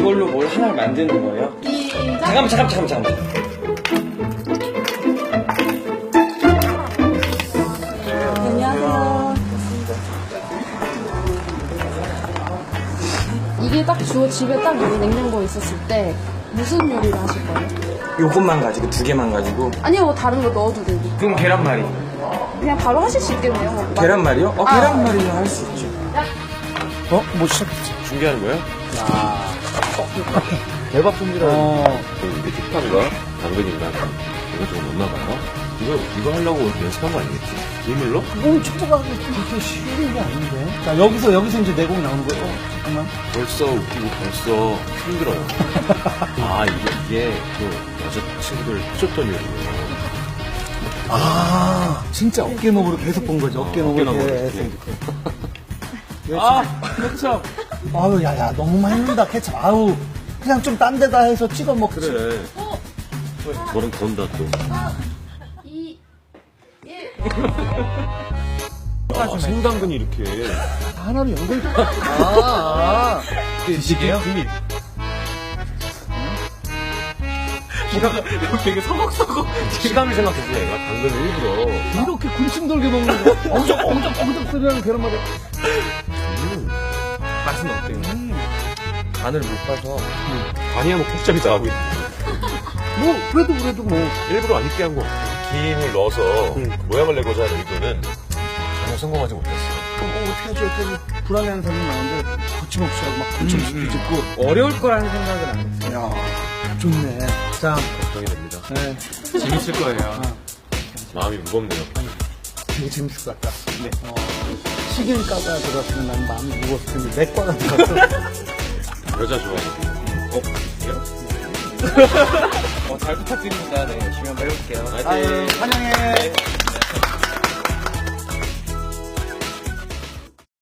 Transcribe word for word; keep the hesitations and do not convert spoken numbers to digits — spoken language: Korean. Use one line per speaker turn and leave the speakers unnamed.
이걸로 뭘 하나를 만드는 거예요? 잠깐만, 잠깐만, 잠깐만, 잠깐만.
안녕하세요. 이게 딱 주어 집에 딱 여기 냉장고에 있었을 때 무슨 요리를 하실 거예요?
요것만 가지고, 두 개만 가지고.
아니요, 뭐 다른 거 넣어도 되고.
그럼 계란말이.
그냥 바로 하실 수 있겠네요. 뭐.
계란말이요? 어,
아.
계란말이는 할 수 있죠.
어? 뭐 시작했지?
준비하는 거야?
대박 손질하는 어.
이게 식판과 당근인가 이거 좀 넣나 봐요. 이거 이거 하려고 연습한 거 아니겠지? 일물로?
그건 초보가 그렇게 쉬운 게 아닌데. 자, 여기서, 여기서 이제 내공 나오는 거예요. 어, 잠깐만.
벌써 웃기고 벌써 힘들어요. 아 이게 이게 그 여자친구들 해줬던 요리예요.
아, 진짜 어깨너머로 계속 본 거죠. 어깨너머로
어깨너머로.
계속.
아, 케첩.
아우, 야, 야, 너무 많이 넣는다, 케첩. 아우, 그냥 좀 딴 데다 해서 찍어 먹지.
그래. 저런 건다 또.
이, 일.
아, 생당근이 이렇게.
하나로 연결. 아, 아.
드시게요? 되게 서걱서걱.
시감을 생각했지 내가 당근을 일부러.
이렇게 군침 돌게 먹는 거. 엉적, 엉적, 엉적 소리나는 계란말이.
음,
맛은 어때요?
간을 못 봐서 간이야 뭐 폭잡이 나오고 있는
뭐, 그래도, 그래도 뭐.
일부러 안 익게 한 거. 김을 넣어서 그 모양을 내고자 하는 의도는 전혀 성공하지 못했어.
어, 어떻게 하죠? 어떻게 불안해하는 사람이 많은데, 거침없이 하고 막 거침없이 뒤집고.
어려울 거라는 생각은 안 했어요.
야, 좋네. 자,
걱정이 됩니다.
네.
재밌을 거예요.
마음이 무겁네요.
되게 재밌을 것 같다. 네. 어, 식일가가 들어갔으면 난 마음이 무거웠을 텐데, 내과가 들어갔어.
여자 좋아하는. 어?
어, 잘 부탁드립니다. 네, 열심히 한번 해볼게요.
아유, 환영해.